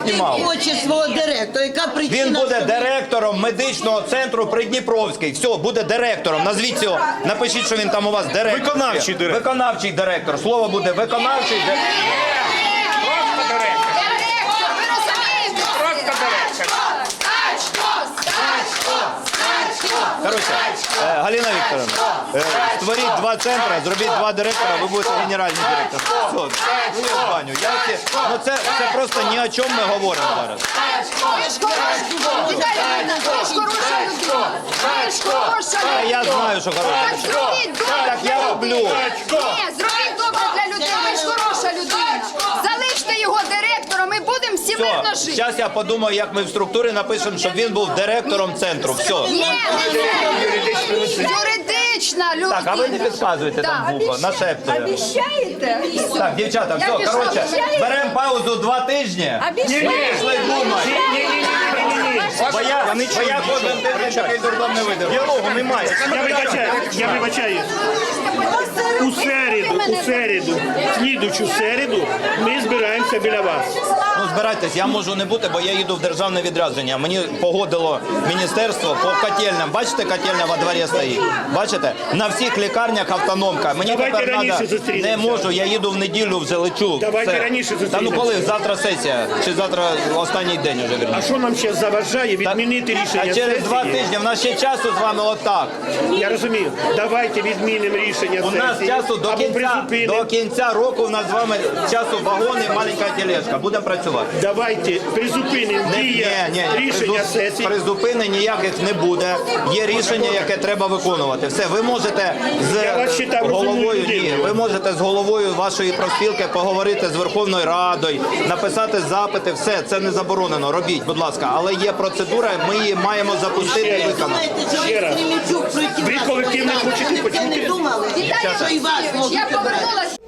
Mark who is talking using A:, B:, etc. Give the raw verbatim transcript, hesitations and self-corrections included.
A: знімав.
B: Хоче свого директора, яка причина?
A: Він буде
B: що-
A: директором медичного центру Придніпровський. Все, буде директором. Назвіть цього. Напишіть, що він там у вас директор.
C: Виконавчий директор.
A: Виконавчий директор. Слово буде виконавчий директор.
C: Просто директор.
D: Директор, ви розумієте?
C: Просто директор.
A: Коротше, е, Галина Вікторовна, е, створіть два центри, зробіть два директора, ви будете генеральний директор. Все, ну я в баню. Я всі- ну це, це просто ні о чому ми говоримо зараз.
D: Ви ж хороша Віталіївна, ви ж хороша людина. Ви ж хороша
A: Та
D: людина.
A: я знаю, що
D: Так
A: хороше.
D: зробіть добре
A: Так я
D: для
A: роблю.
D: людей. Ні, зробіть добре для людей. Ви ж хороша людина. Залиште його директором і будемо всі мирно
A: Все,
D: жити.
A: зараз я подумаю, як ми в структурі напишемо, щоб він був директором центру. Все.
D: Ні, не це. Юридична людина.
A: Так, а ви не підказуєте там
D: Так.
A: вухо, нашептує.
D: Обіщаєте?
A: Так, дівчата,
D: Я
A: все,
D: пішла.
A: коротше, беремо паузу два тижні. Пішли думати. Бо я, бо я кожен тиждень такий дурдом не видав.
C: Діалогу немає. Я вибачаю, я вибачаю. У середу, у середу, слідучу середу ми збираємося біля вас.
A: Ну, збирайтесь, я можу не бути, бо я їду в державне відрядження. Мені погодило міністерство по котельням. Бачите, котельня во дворі стоїть? Бачите? На всіх лікарнях автономка. Мені
C: Давайте
A: тепер
C: раніше
A: треба...
C: зустрінемося.
A: Не можу, я їду в неділю, вже лечу.
C: Давайте
A: Все.
C: раніше
A: Та ну
C: зустрінемося.
A: коли? Завтра сесія. Чи завтра останній день вже,
C: А
A: вірніше.
C: що нам ще заважає відмінити
A: А
C: рішення
A: через два
C: сесії?
A: тижні, в нас ще часу з вами отак.
C: Я розумію. Давайте відмінимо рішення
A: У нас
C: сесії.
A: часу до
C: або
A: кінця,
C: призупинимо.
A: до кінця року у нас з вами часу вагони і маленька тележка. Будемо працювати.
C: Давайте призупинимо
A: Ні,
C: дія
A: ні,
C: рішення
A: призу-
C: сесії.
A: призупинень ніяких не буде. Є рішення, яке треба виконувати. Все, ви можете
C: Я вас
A: з
C: вважаю розумною
A: головою, ні,
C: людиною.
A: ви можете з головою вашої профспілки поговорити з Верховною Радою, написати запити. Все, це не заборонено. Робіть, будь ласка. Але є процедура, ми її маємо запустити і виконати.
B: Думаєте, що
C: Ще раз.
B: Кремльчук проти
C: Ви
B: вас?
C: колективно
B: Ви
C: хочете
B: це не
C: почути?
B: думали?
D: Віталій
B: Що і вас
D: Олексійович,
B: можуть
D: я
B: обрати?
D: повернулася.